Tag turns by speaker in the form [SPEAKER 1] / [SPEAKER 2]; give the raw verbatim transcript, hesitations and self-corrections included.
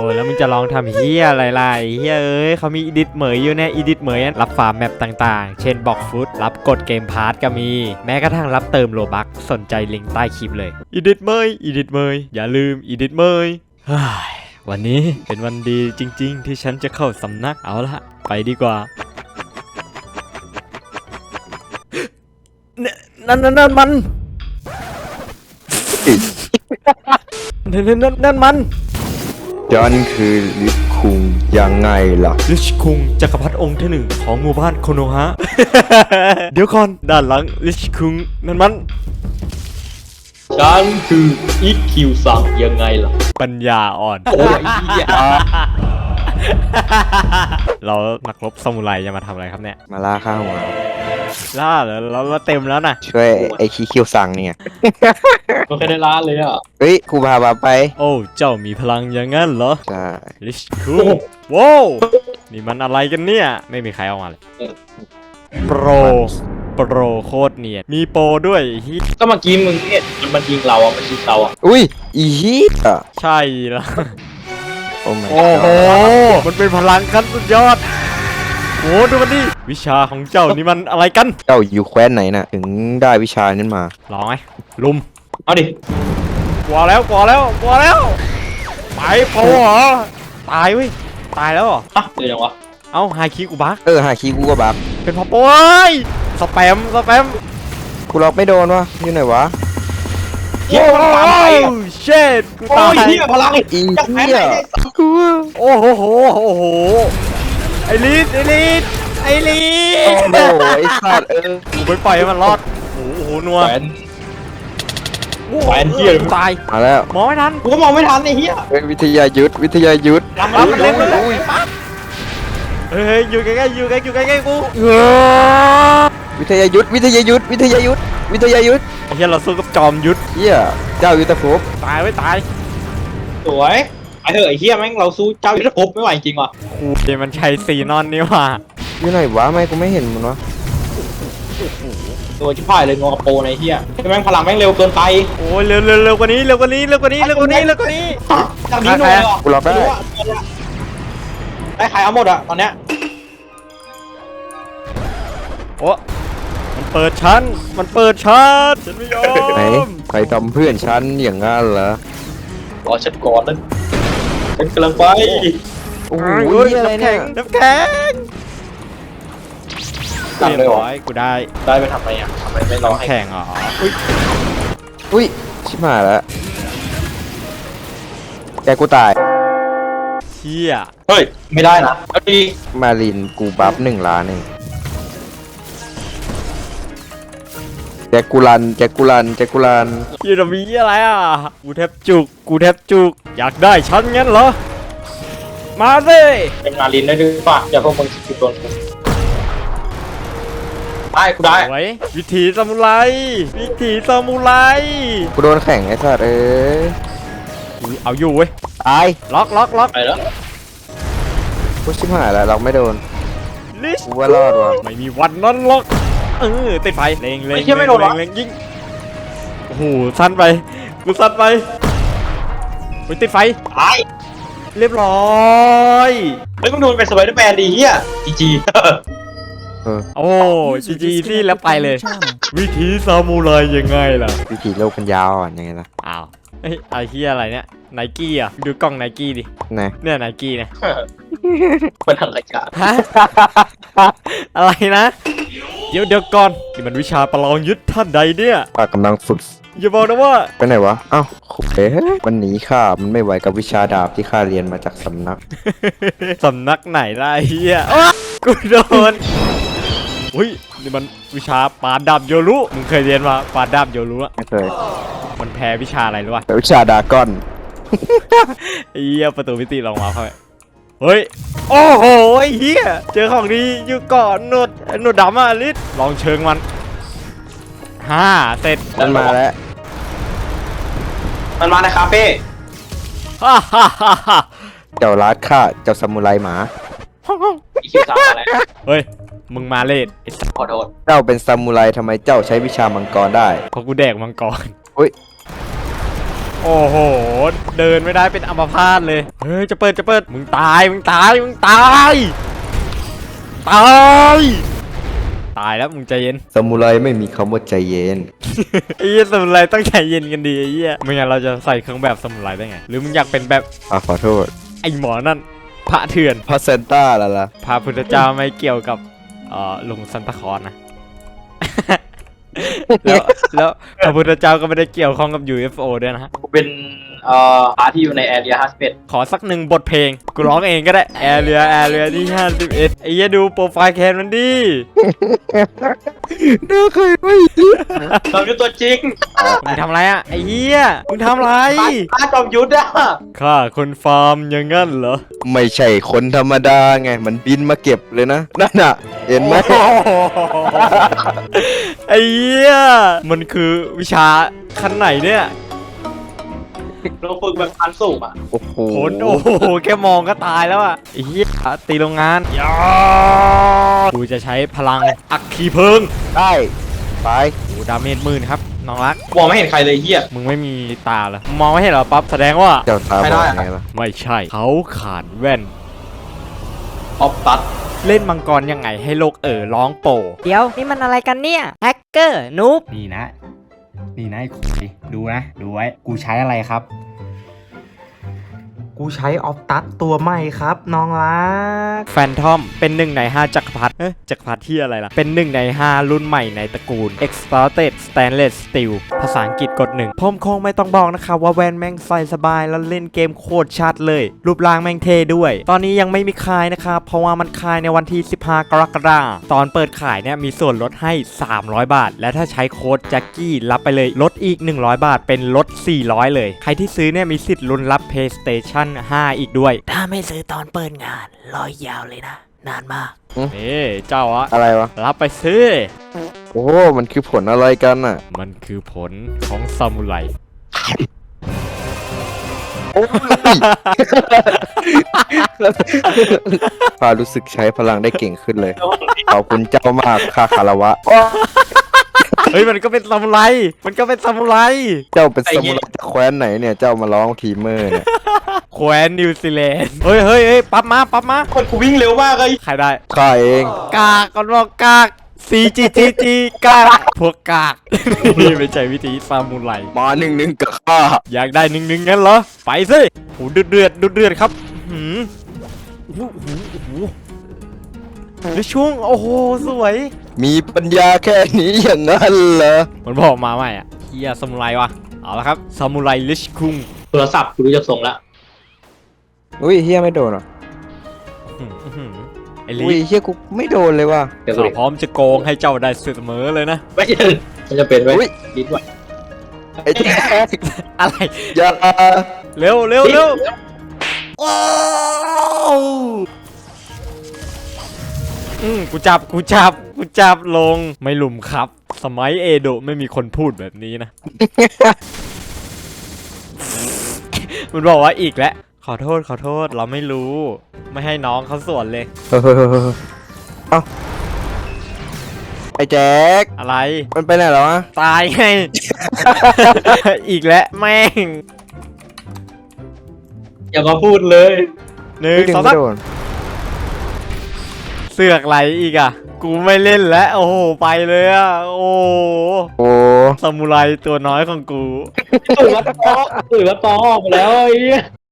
[SPEAKER 1] แล้วมึงจะลองทำเฮียอะไรล่ะเฮียเอ้ยเขามีอีดิทเหมยอยู่เนี่ยอีดิทเหมยรับฟาร์มแมปต่างๆเช่นบอกฟุตรับกดเกมพาร์ทก็มีแม้กระทั่งรับเติมโลบัคสนใจลิงก์ใต้คลิปเลยอีดิทเหมยอีดิทเหมยอย่าลืมอีดิทเหมยวันนี้เป็นวันดีจริงๆที่ฉันจะเข้าสำนักเอาละไปดีกว่านั่นนั่นนั่นมันนั่นนั่นนั่นมัน
[SPEAKER 2] ฉันคือลิชคุงยังไงล่ะ
[SPEAKER 1] ลิชคุงจักรพรรดิองค์ที่หนึ่งของหมู่บ้านโคโนฮะ เดี๋ยวก่อนด้านหลังลิชคุงนั่นมัน
[SPEAKER 3] ฉันคืออีคิวซังยังไงล่ะ
[SPEAKER 1] ปัญญาอ่อน
[SPEAKER 3] โอ้ย
[SPEAKER 1] เรานักรบซามูไรจะมาทำอะไรครับเนี่ย
[SPEAKER 2] มาล่าข้าวหัว
[SPEAKER 1] ล่าเหรอเราเราเต็มแล้วนะ
[SPEAKER 2] ช่วยไอคีคิวสั่งเนี่ย
[SPEAKER 3] มันแค่ได้ล้านเลยอ่ะ
[SPEAKER 2] เฮ้ยครูพาบาไป
[SPEAKER 1] โอ้เจ้ามีพลังอย่างงั้นเหรอ
[SPEAKER 2] ใช่
[SPEAKER 1] ลิชคุงว้าวนี่มันอะไรกันเนี่ยไม่มีใครเอามาเลยโปรโปรโคตรเนียนมีโปรด้วยฮิ
[SPEAKER 3] ก็เมื่อกี้มึงเนี่ยมันยิงเราอ่ะมันยิงเราอ่ะ
[SPEAKER 2] อุ้ยอีฮีอ่ะ
[SPEAKER 1] ใช่ละ
[SPEAKER 2] โอ้โ
[SPEAKER 1] หมันเป็นพลังขั้นสุดยอดโอ้ดูมันดิวิชาของเจ้านี่มันอะไรกัน
[SPEAKER 2] เจ้าอยู่แคว้นไหนน่ะถึงได้วิชานั้นมา
[SPEAKER 1] ลองไหมลุม
[SPEAKER 3] เอาดิ
[SPEAKER 1] กลัวแล้วกลัวแล้วกลัวแล้วไปโปเหรอตายเว้ยตายแล้วเหรอ
[SPEAKER 3] อ่ะเดี๋ยวยังวะ
[SPEAKER 1] เอ้าไฮคิกูบัก
[SPEAKER 2] เออไฮคิกูก็บัก
[SPEAKER 1] เป็นพอโป้ยสแปมสแปม
[SPEAKER 2] กูล็อกไม่โดนวะอยู่ไหนวะ
[SPEAKER 3] เฮียมันตามไปอ่ะ
[SPEAKER 1] เช็ดกูตาย
[SPEAKER 3] เฮียพลังอี
[SPEAKER 2] อีเฮีย
[SPEAKER 1] กูโอ้โหโอ้โหไอลิสไอลิสไอลิส
[SPEAKER 2] โอ้โหไอสัตว์เออ
[SPEAKER 1] กูไปปล่อยให้มันรอดโอ้โหนัว
[SPEAKER 3] แหวนแหวนเฮีย
[SPEAKER 1] ตาย
[SPEAKER 2] มาแล้ว
[SPEAKER 1] มองไม่ทัน
[SPEAKER 3] กูก็มองไม่ทันไอ้เฮีย
[SPEAKER 2] เป็นวิทยายุทธวิทยายุทธ
[SPEAKER 1] รับมันเล่นเลยเฮ้ยอยู่ใกล้ๆอยู่ใกล้อยู่ใกล้ๆกู
[SPEAKER 2] วิทยายุทธวิทยายุทธวิทยายุทธวิทยายุทธ
[SPEAKER 1] ไอ้เหี้ยเราสู้กับจอมยุทธ
[SPEAKER 2] เหี้ยเจ้ายุทธภพ
[SPEAKER 1] ตายไว้ตาย
[SPEAKER 3] สวยไอ้เถอะไอ้เหี้ยแม่งเราสู้เจ้ายุทธภพไม่ไหวจริงว่ะ
[SPEAKER 1] กูเดี๋ยวมันใช้สีนอนนี่ว่ะ
[SPEAKER 2] อยู่ไหนวะไม่กูไม่เห็นมันวะ
[SPEAKER 3] ตัวชิบหายเลยงอกระโปรงไอ้เหี้ยแม่งพลังแม่งเร็วเกินไป
[SPEAKER 1] โอ้ยเร็วเร็วเร็วกว่านี้เร็วกว่านี้เร็วกว่านี้เร็วกว่านี้เร็วกว่านี้
[SPEAKER 3] จากนี้หน่อยอ่ะ
[SPEAKER 2] กูรอได้
[SPEAKER 3] ได้ขายเอาหมดอ่ะตอนเนี้ย
[SPEAKER 1] โอ้มันเปิดชั้นมันเปิดชั้นฉันไม่ยอม
[SPEAKER 2] ไหนใครทำเพื่อนฉันอย่างงั้นเหรอ
[SPEAKER 3] รอฉันก่อนนั่นฉันกำลังไป
[SPEAKER 2] โอ้ยอะไรเนี่ย
[SPEAKER 1] น้ำแข็ง
[SPEAKER 3] ตัดเลยเหรอ
[SPEAKER 1] กูได้
[SPEAKER 3] ได้ไปทำไมอ่ะทำไมไม่รอให้
[SPEAKER 1] แข่งอ๋อ
[SPEAKER 2] อุ้ยอุ้ยชิบหายแล้วแกกูตาย
[SPEAKER 1] เชี่ย
[SPEAKER 3] เฮ้ยไม่ได้นะเอาดี
[SPEAKER 2] มาลินกูบัฟหนึ่งล้านเองแจ็คกูลันแจ็คกูลันแจ็คกูลัน
[SPEAKER 1] ยูดมีอะไรอ่ะกูแทบจุกกูแทบจุกอยากได้ชั้นงั้นเหรอมาสิ
[SPEAKER 3] เป็นมาลินได้ด้วยป่ะอย่าพวกมึงคิดโดนกูได้กูได้
[SPEAKER 1] วิถีซามูไรวิถีซามูไร
[SPEAKER 2] กูโดนแข่งไอ้สัตว์เอ้ย
[SPEAKER 1] เอาอยู่เว้ย
[SPEAKER 2] ตาย
[SPEAKER 1] ล็อกล็อกล็อก
[SPEAKER 3] ไปแล้ว
[SPEAKER 2] กูชิบหายแล้วเราไม่โดนกูว่ารอดวะ
[SPEAKER 1] ไม่มีวันนั้นล็อกเออติดไฟเล็งเล็ง
[SPEAKER 3] ไม่โดน
[SPEAKER 1] เล็งยิงโอ้โหสั้นไปกูสั้นไปไปติดไฟ
[SPEAKER 3] ตาย
[SPEAKER 1] เรียบร้อย
[SPEAKER 3] เฮ้ยมึงดูเป็นสไปเดอร์แมนดีเฮียจีจี
[SPEAKER 1] โอ้จีจีที่แล้วไปเลยวิธีซามูไรยังไงล่ะ
[SPEAKER 2] วิธีโลกมันยาวอ่ะยังไงล่ะ
[SPEAKER 1] อ้าวไอ้ไอ้เฮียอะไรเนี่ยไนกี้อ่ะดูกล้องไนกี้ดิเนี่ยไนกี้เนี่ย
[SPEAKER 3] เป็นอะไรกัน
[SPEAKER 1] ฮะอะไรนะเดี๋ยวเดี๋ยวก่อนนี่มันวิชาประลองยุทธท่านใดเนี่ย
[SPEAKER 2] ปากกำลังฝึก
[SPEAKER 1] อย่าบอกนะว่า
[SPEAKER 2] ไปไหนวะอ้าวเอ๊ะมันหนีข้ามันไม่ไหวกับวิชาดาบที่ข้าเรียนมาจากสำนัก
[SPEAKER 1] สำนักไหนล่ะเฮียกูโดนอุ้ยนี่มันวิชาปาดาบโยรุมึงเคยเรียนมาปาดาบโยรุอะ
[SPEAKER 2] ไม่เคย
[SPEAKER 1] มันแพ้วิชาอะไรรู้ป่ะ
[SPEAKER 2] วิชาดากอน
[SPEAKER 1] เฮียประตูมิติลองมาเข้าไปเฮ้ยโอ้โหเฮียเจอของดีอยู่ก่อนหนวดหนวดดำอ่ะลิศลองเชิงมันฮ่าเสร็จ
[SPEAKER 2] มันมาแล้ว
[SPEAKER 3] มันมาในคาเฟ่
[SPEAKER 1] ฮ่าฮ่าฮ่าฮ่า
[SPEAKER 2] เจ้าลัดข้าเจ้าซามูไรหมา
[SPEAKER 3] อีคิวสามอะไร
[SPEAKER 1] เฮ้ยมึงมาเล่น
[SPEAKER 3] ขอโทษ
[SPEAKER 2] เจ้าเป็นซามูไรทำไมเจ้าใช้วิชามังกรได้
[SPEAKER 1] เพราะกูแดกมังกร
[SPEAKER 2] อุ้ย
[SPEAKER 1] โอ้โหเดินไม่ได้เป็นอัมพาตเลยเฮ้ยจะเปิดจะเปิดมึงตายมึงตายมึงตายตายตายแล้วมึงใจเย็น
[SPEAKER 2] ซามูไรไม่มีคำว่าใจเย็น
[SPEAKER 1] ไอ้เหี้ยสมุไรต้องใจเย็นกันดีไอ้เหี้ยไม่งั้นเราจะใส่เครื่องแบบสมุไรได้ไงหรือมึงอยากเป็นแบบ
[SPEAKER 2] อ่ะขอโทษ
[SPEAKER 1] ไอ้หมอนั่นพระเถื่อน
[SPEAKER 2] พระเซนต้าละล่ะ
[SPEAKER 1] พระพุทธเจ้าไม่เกี่ยวกับเอ่อลุงซันตาคลอสนะ แล้วแล้วพระพุทธเจ้าก็ไม่ได้เกี่ยวข้องกับ ยู เอฟ โอ ด้วยนะฮะ
[SPEAKER 3] กูเป็นเอ่อพาร์ทที่อยู่ในแอเรียห้าสิบเอ็ด
[SPEAKER 1] ขอสักหนึ่งบทเพลงกูร้องเองก็ได้แอเรียแอเรียที่ห้าสิบเอ็ดไอ้เหี้ยดูโปรไฟล์แคนมันดิ
[SPEAKER 2] น่าเคยไม่
[SPEAKER 3] จอมยุทธตัวจริง
[SPEAKER 1] มึงทำอะไรอ่ะไอ้เหี้ยมึงทำอะไร
[SPEAKER 3] พาร์ทจอมยุทธอะ
[SPEAKER 1] ข้าคนฟาร์มอย่างงั้นเหรอ
[SPEAKER 2] ไม่ใช่คนธรรมดาไง มันบินมาเก็บเลยนะ นั่นน่ะ เห็นไหม
[SPEAKER 1] ไอ้เหี้ยมันคือวิชาขั้นไหนเนี่ย
[SPEAKER 3] เราฝึกแบบพันสูงอะ
[SPEAKER 2] โอ้โห
[SPEAKER 1] ผลโอ้โหแค่มองก็ตายแล้วอ่ะไอ้เหี้ยตีโรงงานยากูจะใช้พลังอัคคีเพลิง
[SPEAKER 2] ได้ไป
[SPEAKER 1] โอ้ดาเมจหมื่นครับน้องรัก
[SPEAKER 3] มองไม่เห็นใครเลยเฮีย
[SPEAKER 1] มึงไม่มีตาเหรอมองไม่เห็นเหรอปั๊บแสดงว่า
[SPEAKER 2] เจ้าตา
[SPEAKER 3] ไม่
[SPEAKER 2] บ
[SPEAKER 3] ได้
[SPEAKER 2] อด
[SPEAKER 3] อะ
[SPEAKER 2] ไงล่ะ
[SPEAKER 1] ไม่ใช่เขาขาดแว่น
[SPEAKER 3] ออฟตัด
[SPEAKER 1] เล่นมังกรยังไงให้โลกเอ๋อร้องโป
[SPEAKER 4] เดี๋ยว นี่มันอะไรกันเนี่ย แฮกเกอร์นูบ
[SPEAKER 1] นี่นะ นี่นะไอ้คุยดูนะ ดูไว้ กูใช้อะไรครับ
[SPEAKER 5] กูใช้ออฟตัสตัวใหม่ครับน้องรัก
[SPEAKER 1] แฟนทอมเป็นหนึ่งในห้าจักรพรรดิเอ๊ะจักรพรรดิที่อะไรล่ะ เป็นหนึ่งในห้ารุ่นใหม่ในตระกูล Exported Stainless Steel ภาษาอังกฤษกดหนึ่งผมคงไม่ต้องบอกนะครับว่าแวนแม่งใส่สบายแล้วเล่นเกมโคตรชัดเลย รูปร่างแม่งเท่ด้วย ตอนนี้ยังไม่มีขายนะครับ เพราะว่ามันขายในวันที่ สิบห้ากรกฎาคมตอนเปิดขายเนี่ยมีส่วนลดให้ สามร้อยบาท และถ้าใช้โค้ดแจ็คกี้รับไปเลยลดอีก หนึ่งร้อยบาท เป็นลด สี่ร้อย เลย ใครที่ซื้อเนี่ยมีสิทธิ์ลุ้นรับ PlayStation ห้า อีกด้วย
[SPEAKER 4] ถ้าไม่ซื้อตอนเปิดงานรอยยาวเลยนะ นานมาก
[SPEAKER 1] นี่เจ้าอะ
[SPEAKER 2] อะไรวะ
[SPEAKER 1] รับไปซื้อ
[SPEAKER 2] โอ้ มันคือผลอะไรกันอ่ะ
[SPEAKER 1] มันคือผลของซามูไร
[SPEAKER 2] โอ้ย พารู้สึกใช้พลังได้เก่งขึ้นเลย ขอบคุณเจ้ามากค่าคารวะ
[SPEAKER 1] เฮ้ยมันก็เป็นซามูไร มันก็เป็นซามูไร
[SPEAKER 2] เจ้าเป็นสมุไรจากแคว้นไหนเนี่ย เจ้ามาร้องทีเมอร์เนี่ย
[SPEAKER 1] แคว้นนิวซีแลนด์ เฮ้ยเฮ้ยเฮ้ยปั๊บมาปั๊บมา
[SPEAKER 3] คนกูวิ่งเร็วมากเลย
[SPEAKER 1] ใครได้
[SPEAKER 2] ข้าเอง
[SPEAKER 1] กากก่อนบอกกาก ซี จี จี จี กาก พวกกาก นี่ไม่ใช่วิธีซามูไร
[SPEAKER 2] มาหนึ่งหนึ่งกับข้า
[SPEAKER 1] อยากได้หนึ่งหนึ่งงั้นเหรอ ไปสิโหเดือดเดือดเดือดเดือดครับหืมโอ้โหโอ้โหโอ้โหแล้วช่วงโอ้โหสวย
[SPEAKER 2] มีปัญญาแค่นี้อย่างนั้นเหรอ
[SPEAKER 1] มันบอกมาใหม่อ่ะเฮียซามูไรวะเอาละครับซามูไรลิชคุง
[SPEAKER 3] โทรศัพท์กูรู้จะส่งละ
[SPEAKER 2] อุ้ยเฮียไม่โดนเหรอ
[SPEAKER 1] อื้อหือไอ้ลิ
[SPEAKER 2] อุ้ยเฮียกูไม่โดนเลยว่ะ
[SPEAKER 3] เดี๋ยวกู
[SPEAKER 1] ข้า
[SPEAKER 3] ดิ
[SPEAKER 1] พร้อมจะโกงให้เจ้าได้เสมอเลยนะ
[SPEAKER 3] ไม่ใช่มันจะเป็นไว้
[SPEAKER 2] อุ๊ย
[SPEAKER 3] ลิ้นไหว
[SPEAKER 2] ไอ้แจ๊ค
[SPEAKER 1] อะไร
[SPEAKER 2] อย่า
[SPEAKER 1] เร็วเร็วเร็วโอ้อืมกูจับกูจับกูจับลงไม่หลุมครับ สมัยเอโดะไม่มีคนพูดแบบนี้นะ มันบอกว่าอีกแล้วขอโทษขอโทษเราไม่รู้ ไม่ให้น้องเขาสวนเลย
[SPEAKER 2] เอ้าไอ้แจ๊ค
[SPEAKER 1] อะไร
[SPEAKER 2] มันไปไหนแล้ววะ
[SPEAKER 1] ตายไง อีกแล้วแม่ง
[SPEAKER 3] อย่ามาพูดเลย
[SPEAKER 1] หนึ่ง
[SPEAKER 2] ไม่ดึง
[SPEAKER 1] สอง
[SPEAKER 2] ไม่
[SPEAKER 1] สาม
[SPEAKER 2] โดน
[SPEAKER 1] เสือกไหลอีกอ่ะ กูไม่เล่นแล้วโอ้โหไปเลยอ่ะโอ้โห
[SPEAKER 2] โอ้
[SPEAKER 1] ซามูไรตัวน้อยของกู
[SPEAKER 3] ตื่นมาตอตื่นมาตอออกมาแล้วไอ้เหี้ย